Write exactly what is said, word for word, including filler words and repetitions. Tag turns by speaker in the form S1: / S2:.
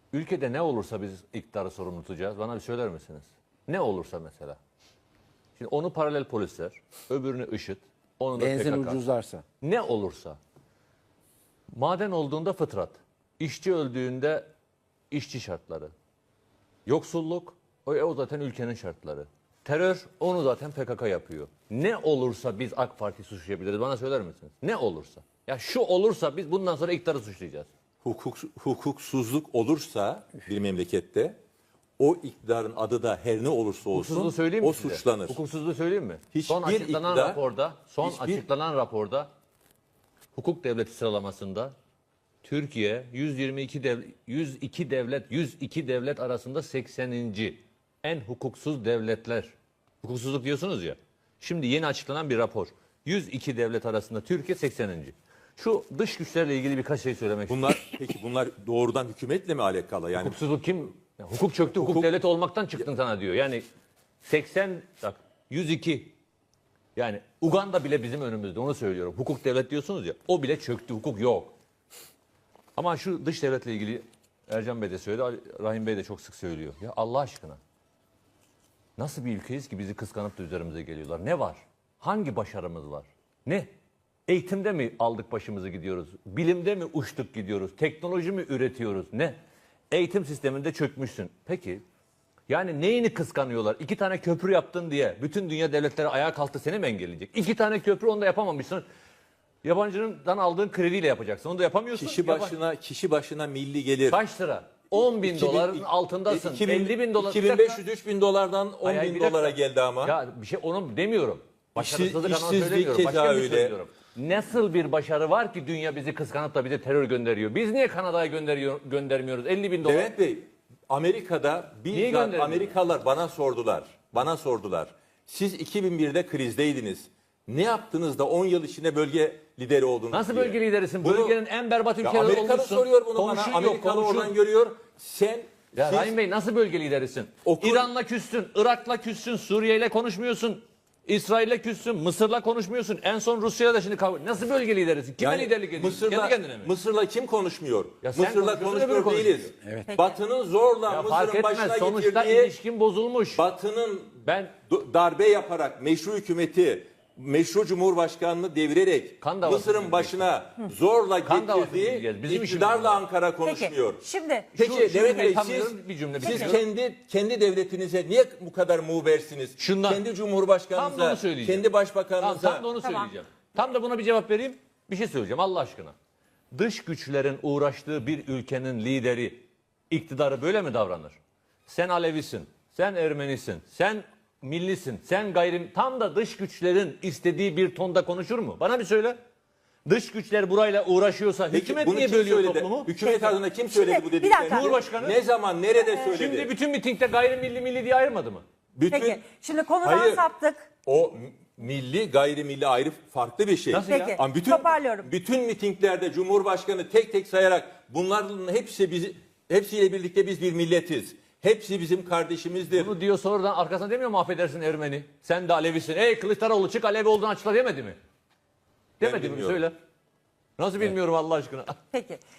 S1: ülkede ne olursa biz iktidarı sorumlu tutacağız. Bana bir söyler misiniz? Ne olursa mesela. Şimdi onu paralel polisler, öbürünü IŞİD, onu da
S2: Benzin
S1: P K K.
S2: ucuzlarsa.
S1: Ne olursa. Maden olduğunda fıtrat. İşçi öldüğünde işçi şartları. Yoksulluk, o, o zaten ülkenin şartları. Terör, onu zaten P K K yapıyor. Ne olursa biz AK Parti suçlayabiliriz. Bana söyler misiniz? Ne olursa. Ya şu olursa biz bundan sonra iktidarı suçlayacağız.
S3: Hukuk, hukuksuzluk olursa bir memlekette o iktidarın adı da her ne olursa olsun
S1: Hukuksuzluğu söyleyeyim mi
S3: o
S1: size?
S3: suçlanır.
S1: Hukuksuzluğu söyleyeyim mi?
S3: Hiçbir
S1: son açıklanan
S3: iktidar-
S1: raporda, son
S3: hiçbir-
S1: açıklanan raporda hukuk devleti sıralamasında Türkiye yüz yirmi iki dev, yüz iki devlet yüz iki devlet arasında sekseninci en hukuksuz devletler. Hukuksuzluk diyorsunuz ya. Şimdi yeni açıklanan bir rapor. yüz iki devlet arasında Türkiye sekseninci. Şu dış güçlerle ilgili birkaç şey söylemek istiyorum.
S3: Bunlar peki bunlar doğrudan hükümetle mi alakalı? Yani
S1: Hukuksuzluk kim? Ya hukuk çöktü, hukuk,
S3: Hukuk-
S1: devleti olmaktan çıktın sana diyor. Yani seksen, bak yüz iki. Yani Uganda bile bizim önümüzde, onu söylüyorum. Hukuk devlet diyorsunuz ya, o bile çöktü, hukuk yok. Ama şu dış devletle ilgili Ercan Bey de söyledi, Ali- Rahim Bey de çok sık söylüyor. Ya Allah aşkına, nasıl bir ülkeyiz ki bizi kıskanıp da üzerimize geliyorlar? Ne var? Hangi başarımız var? Ne? Eğitimde mi aldık başımızı gidiyoruz? Bilimde mi uçtuk gidiyoruz? Teknoloji mi üretiyoruz? Ne? Eğitim sisteminde çökmüşsün. Peki, yani neyini kıskanıyorlar? İki tane köprü yaptın diye bütün dünya devletleri ayağa kalktı, seni mi engelleyecek? İki tane köprü, onu da yapamamışsın. Yabancıdan aldığın krediyle yapacaksın. Onu da yapamıyorsun.
S3: kişi
S1: Yaban-
S3: başına kişi başına milli gelir.
S1: Kaç lira? on bin
S3: iki bin-
S1: doların altındasın.
S3: iki bin
S1: elli bin dolar.
S3: iki bin beş yüz üç bin dolardan on
S1: Ay, ay,
S3: bin
S1: bir dakika.
S3: dolara geldi ama.
S1: Ya bir şey onu demiyorum. Başarısızlık
S3: İşsiz-
S1: anlamında
S3: işsizlik
S1: söylemiyorum.
S3: keza
S1: Başka bir şey
S3: öyle.
S1: söylüyorum. Nasıl bir başarı var ki dünya bizi kıskanıp da bize terör gönderiyor? Biz niye Kanada'ya gönderiyor, göndermiyoruz? elli bin dolar.
S3: Levent Bey, Amerika'da
S1: Niye
S3: bizzat
S1: göndermiyor?
S3: Amerikalılar bana sordular. Bana sordular. Siz iki bin birde krizdeydiniz. Ne yaptınız da on yıl içinde bölge lideri oldunuz
S1: Nasıl
S3: diye.
S1: bölge liderisin?
S3: Bunu-
S1: Bölgenin en berbat
S3: Ya
S1: ülkeleri
S3: Amerikalı
S1: olmuşsun.
S3: soruyor bunu
S1: Komşun
S3: bana.
S1: yok,
S3: Amerikalı
S1: komşun.
S3: oradan görüyor. Sen
S1: Ya
S3: siz-
S1: Rahim Bey, nasıl bölge liderisin?
S3: Okur-
S1: İran'la küstün, Irak'la küstün, Suriye'yle konuşmuyorsun. İsrail'le küstün, Mısır'la konuşmuyorsun. En son Rusya'yla da şimdi kavga. Nasıl bölge liderisin? Kime
S3: Yani
S1: liderlik ediyorsun?
S3: Mısır'la,
S1: Kendi kendine mi?
S3: Mısır'la kim konuşmuyor?
S1: Ya sen
S3: Mısır'la
S1: konuşuyorsun, öbürü
S3: konuşmuyor değiliz.
S1: konuşuyor.
S3: Batı'nın zorla
S1: Ya fark
S3: Mısır'ın
S1: etmez.
S3: başına
S1: Sonuçta
S3: getirdiği,
S1: ilişkin bozulmuş.
S3: Batı'nın
S1: Ben
S3: d- darbe yaparak meşru hükümeti, meşru cumhurbaşkanını devirerek
S1: Kan davası
S3: Mısır'ın
S1: diyecek.
S3: başına zorla
S1: Kan davası
S3: getirdiği
S1: diyeceğiz. Bizim işimiz
S3: iktidarla
S1: bu.
S3: Ankara konuşmuyor.
S4: Peki şimdi
S3: Peki
S1: Şu- şunu
S3: Levent Bey,
S1: tam
S3: siz,
S1: diyorum, bir cümle
S3: siz
S1: bitiriyorum.
S3: kendi kendi devletinize niye bu kadar muğbersiniz?
S1: Şundan-
S3: kendi
S1: Tam da
S3: cumhurbaşkanınıza,
S1: onu söyleyeceğim.
S3: kendi
S1: Tamam,
S3: başbakanınıza.
S1: tam da onu
S4: Tamam.
S1: söyleyeceğim. Tam da buna bir cevap vereyim. Bir şey söyleyeceğim Allah aşkına. Dış güçlerin uğraştığı bir ülkenin lideri, iktidarı böyle mi davranır? Sen Alevisin, sen Ermenisin, sen millisin, sen gayrim... Tam da dış güçlerin istediği bir tonda konuşur mu? Bana bir söyle. Dış güçler burayla uğraşıyorsa
S3: Peki,
S1: hükümet
S3: bunu
S1: niye
S3: kim
S1: bölüyor
S3: söyledi?
S1: toplumu?
S3: Hükümet adına kim söyledi
S4: Şimdi,
S3: bu
S4: bir
S3: dediklerini?
S4: dakika.
S1: Cumhurbaşkanı.
S3: Ne zaman, nerede söyledi?
S1: Şimdi bütün mitingde gayrimilli milli diye ayırmadı mı?
S3: bütün
S4: peki şimdi konudan
S3: Hayır.
S4: saptık.
S3: o m- milli gayrimilli ayrı farklı bir şey.
S1: Nasıl ya?
S4: Peki,
S3: Ama bütün
S4: toparlıyorum.
S3: bütün mitinglerde Cumhurbaşkanı tek tek sayarak bunların hepsi bizi hepsiyle birlikte biz bir milletiz. Hepsi bizim kardeşimizdir.
S1: Bunu diyor sonradan arkasına demiyor mu affedersin Ermeni? Sen de Alevisin. Ey Kılıçdaroğlu çık Alevi olduğunu açıkla demedi mi?
S3: Ben
S1: Demedi mi?
S3: bilmiyorum.
S1: Söyle. Nasıl bilmiyorum Allah aşkına.
S4: Peki